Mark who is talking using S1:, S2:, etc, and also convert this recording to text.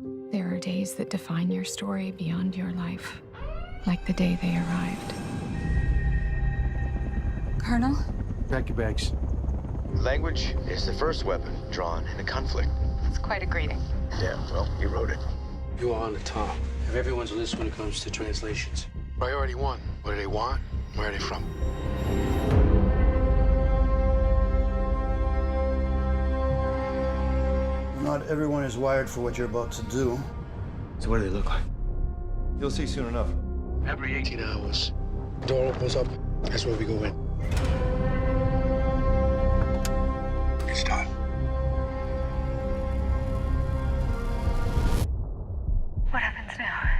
S1: There are days that define your story beyond your life, like the day they arrived.
S2: Colonel?
S3: Pack your bags.
S4: Language is the first weapon drawn in a conflict.
S2: It's quite a greeting.
S4: Yeah, well, you wrote it.
S3: You are on the top of everyone's list when it comes to translations. Priority one. What do they want? Where are they from?
S5: Not everyone is wired for what you're about to do.
S4: So what do they look like?
S6: You'll see soon enough.
S3: Every 18 hours, the door opens up. That's where we go in. It's done.
S2: What happens now?